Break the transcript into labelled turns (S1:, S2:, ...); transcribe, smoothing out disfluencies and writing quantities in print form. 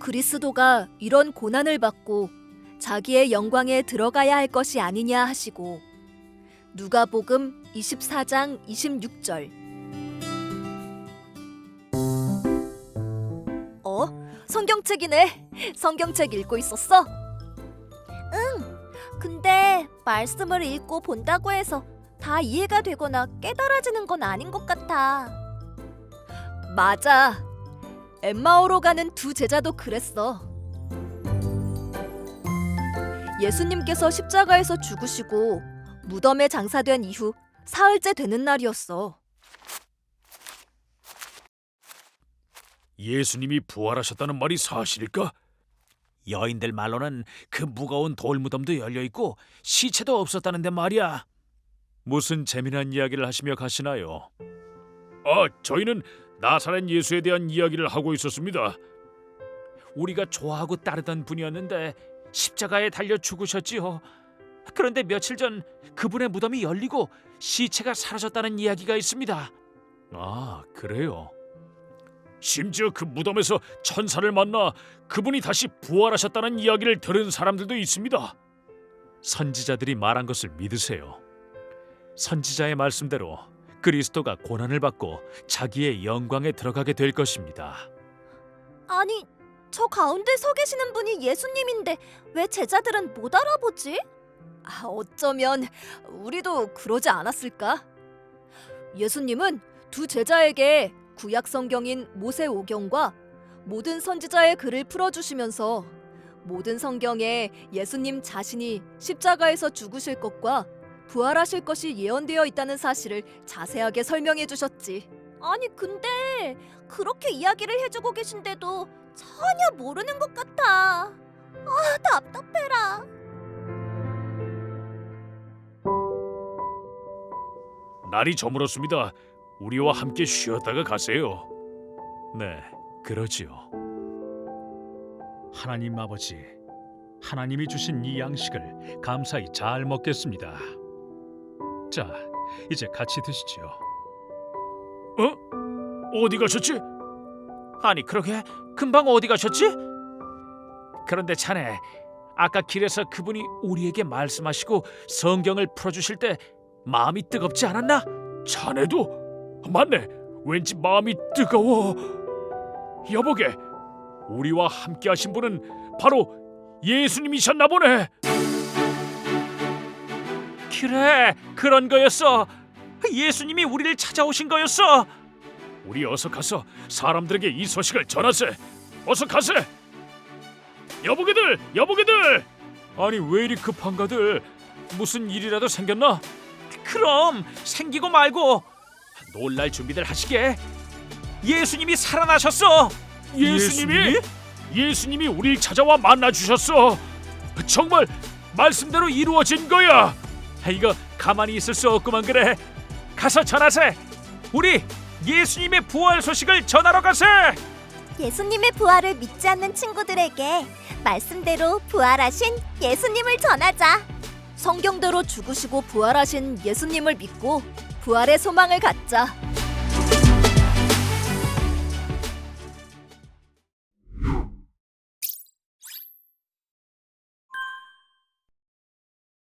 S1: 그리스도가 이런 고난을 받고 자기의 영광에 들어가야 할 것이 아니냐 하시고 누가복음 24장 26절. 성경책이네. 성경책 읽고 있었어? 근데 말씀을 읽고 본다고 해서 다 이해가 되거나 깨달아지는 건 아닌 것 같아. 맞아. 엠마오로 가는 두 제자도 그랬어. 예수님께서 십자가에서 죽으시고 무덤에 장사된 이후 사흘째 되는 날이었어.
S2: 예수님이 부활하셨다는 말이 사실일까? 여인들 말로는 그 무거운 돌무덤도 열려있고 시체도 없었다는데 말이야. 무슨 재미난 이야기를 하시며 가시나요? 저희는 나사렛 예수에 대한 이야기를 하고 있었습니다. 우리가 좋아하고 따르던 분이었는데 십자가에 달려 죽으셨지요. 그런데 며칠 전 그분의 무덤이 열리고 시체가 사라졌다는 이야기가 있습니다. 아, 그래요? 심지어 그 무덤에서 천사를 만나 그분이 다시 부활하셨다는 이야기를 들은 사람들도 있습니다. 선지자들이 말한 것을 믿으세요. 선지자의 말씀대로 그리스도가 고난을 받고 자기의 영광에 들어가게 될 것입니다.
S1: 아니, 저 가운데 서 계시는 분이 예수님인데 왜 제자들은 못 알아보지? 어쩌면 우리도 그러지 않았을까? 예수님은 두 제자에게 구약 성경인 모세오경과 모든 선지자의 글을 풀어주시면서 모든 성경에 예수님 자신이 십자가에서 죽으실 것과 부활하실 것이 예언되어 있다는 사실을 자세하게 설명해 주셨지. 아니 근데 그렇게 이야기를 해주고 계신데도 전혀 모르는 것 같아. 답답해라.
S2: 날이 저물었습니다. 우리와 함께 쉬었다가 가세요. 네, 그러지요. 하나님 아버지, 하나님이 주신 이 양식을 감사히 잘 먹겠습니다. 자, 이제 같이 드시지요. 어디 가셨지? 아니, 그러게 금방 어디 가셨지? 그런데 자네, 아까 길에서 그분이 우리에게 말씀하시고 성경을 풀어주실 때 마음이 뜨겁지 않았나? 자네도? 맞네. 왠지 마음이 뜨거워. 여보게, 우리와 함께 하신 분은 바로 예수님이셨나 보네. 그래, 그런 거였어. 예수님이 우리를 찾아오신 거였어. 우리 어서 가서 사람들에게 이 소식을 전하세. 어서 가세. 여보게들, 여보게들. 아니 왜 이리 급한가들? 무슨 일이라도 생겼나? 그럼 생기고 말고 놀랄 준비들 하시게. 예수님이 살아나셨어. 예수님이? 예수님이 우리를 찾아와 만나주셨어. 정말 말씀대로 이루어진 거야. 이거 가만히 있을 수 없구만. 그래, 가서 전하세. 우리 예수님의 부활 소식을 전하러 가세.
S1: 예수님의 부활을 믿지 않는 친구들에게 말씀대로 부활하신 예수님을 전하자. 성경대로 죽으시고 부활하신 예수님을 믿고 부활의 소망을 갖자.